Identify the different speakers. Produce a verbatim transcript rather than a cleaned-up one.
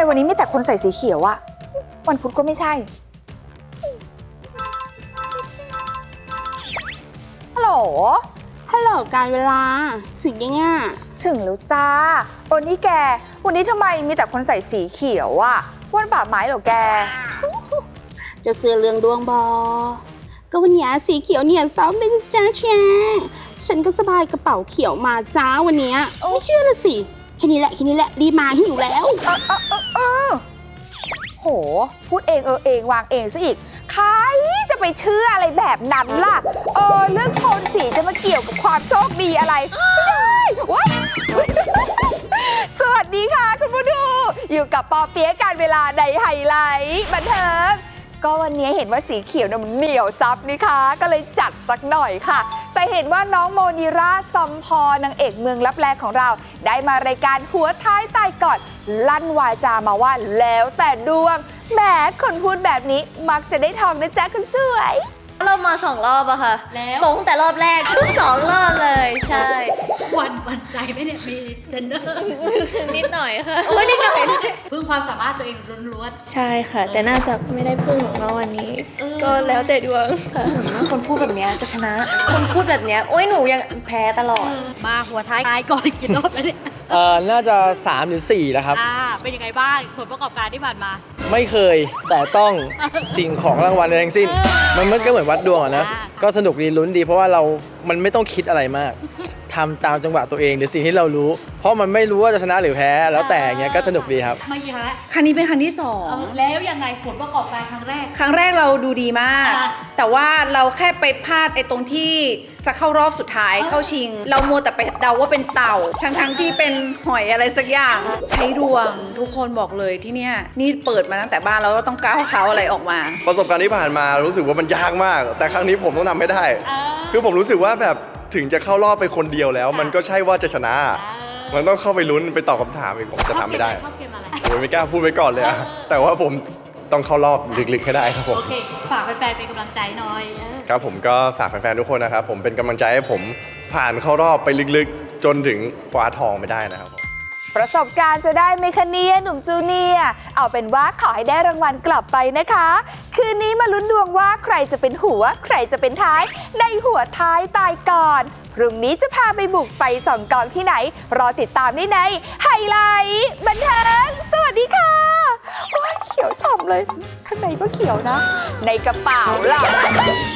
Speaker 1: วันนี้มีแต่คนใส่สีเขียวอะวันพุธก็ไม่ใช่ฮัลโหล
Speaker 2: ฮัลโหลการเวลาถึงยังไง
Speaker 1: ถึงแล้วจ้าโอ้นี่แกวันนี้ทำไมมีแต่คนใส่สีเขียวอะวันป่าไม้เหรอแก
Speaker 2: จะเสือเรื่องดวงบอก็วันนี้สีเขียวเนี่ยซ้อมเป็นจ้าแชฉันก็สบายกระเป๋าเขียวมาจ้าวันนี้ไม่เชื่อละสิแค่นี้แหละแค่นี้แหละรีมาหิวแล้ว
Speaker 1: เออเออเออเออโหพูดเองเออเองวางเองซะอีกใครจะไปเชื่ออะไรแบบนั้นล่ะเออเรื่องโทนสีจะมาเกี่ยวกับความโชคดีอะไรไม่ได้ว้ายสวัสดีค่ะคุณผู้ดูอยู่กับปอเปี๊ยะการเวลาในไฮไลท์บันเทิงก็วันนี้เห็นว่าสีเขียวเนี่ยมันเหนียวซับนี่คะก็เลยจัดสักหน่อยค่ะแต่เห็นว่าน้องโมนีราซอมพอนางเอกเมืองลับแลของเราได้มารายการหัวท้ายตายก่อนลั่นวาจามาว่าแล้วแต่ดวงแหมคนพูดแบบนี้มักจะได้ทองนะจ๊ะคุณสวย
Speaker 3: เรามาสองรอบอะค่ะแล้วตรงแต่รอบแรกทุกสองรอบเลยใช่
Speaker 4: วันวันใจไหมเนี่ยมีเทรนเนอร์
Speaker 3: นิดหน่อยค่ะโอ้นิดหน่อย
Speaker 4: พึ่งความสามารถตัวเองล้วน
Speaker 3: ๆใช่ค่ะแต่น่าจะไม่ได้พึ่งเนาะวันนี้ก็แล้วแต่ดวงค่ะ
Speaker 1: คนพูดแบบนี้จะชนะ
Speaker 3: คนพูดแบบนี้โอ้ยหนูยังแพ้ตลอด
Speaker 4: มาหัวท้ายตายก่อนกี่รอบแล้วเนี่ย
Speaker 5: เอ่อน่าจะสามหรือสี่แล้วครับ
Speaker 4: อ่าเป็นยังไงบ้างผลประกอบการที่ผ่านมา
Speaker 5: ไม่เคยแต่ต้องสิ่งของรางวัลทั้งสิ้นมันมันก็เหมือนวัดดวงอะนะก็สนุกดีลุ้นดีเพราะว่าเรา มันไม่ต้องคิดอะไรมากทำตามจังหวะตัวเองหรือสิ่งที่เรารู้เพราะมันไม่รู้ว่าจะชนะหรือแพ้แล้วแต่อย่างเงี้ยก็สนุกดีครับ
Speaker 4: ไม่กี่ครั้งแล้ว
Speaker 6: ครั้งนี้เป็นครั้งที่สอง
Speaker 4: แล้วยังไงผลประกอบการครั้งแรก
Speaker 6: ครั้งแรกเราดูดีมากแต่ว่าเราแค่ไปพลาดไอ้ตรงที่จะเข้ารอบสุดท้ายเข้าชิงเรามัวแต่ไปเดาว่าเป็นเต่าทั้งๆที่เป็นหอยอะไรสักอย่างใช้ดวงทุกคนบอกเลยที่เนี่ยนี่เปิดมาตั้งแต่บ้านแล้วก็ต้องก้าวเขาอะไรออกมา
Speaker 7: ประสบการณ์ที่ผ่านมารู้สึกว่ามันยากมากแต่ครั้งนี้ผมต้องทำให้ได้คือผมรู้สึกว่าแบบถึงจะเข้ารอบไปคนเดียวแล้วมันก็ใช่ว่าจะชนะมันต้องเข้าไปลุ้นไปตอบคำถามอีกผมจะทำไม่ได้
Speaker 4: ชอบเกมอะไร
Speaker 7: โอ้ยไม่กล้าพูดไปก่อนเลยอะแต่ว่าผมต้องเข้ารอบลึกๆให้ได้ครับผม
Speaker 4: โอเคฝากแฟนๆเป็นกำลังใจหน่อย
Speaker 7: ครับผมก็ฝากแฟนๆทุกคนนะครับผมเป็นกำลังใจให้ผมผ่านเข้ารอบไปลึกๆจนถึงคว้าทองไปได้นะครับ
Speaker 1: ประสบการณ์จะได้ไหมคะเนี่ยหนุ่มจูเนียร์เอาเป็นว่าขอให้ได้รางวัลกลับไปนะคะคืนนี้มาลุ้นดวงว่าใครจะเป็นหัวใครจะเป็นท้ายในหัวท้ายตายก่อนพรุ่งนี้จะพาไปบุกไปส่องกองที่ไหนรอติดตามได้ในไฮไลท์บันเทิงสวัสดีค่ะโอ้ยเขียวฉ่ำเลยข้างในก็เขียวนะในกระเป๋าล่ะ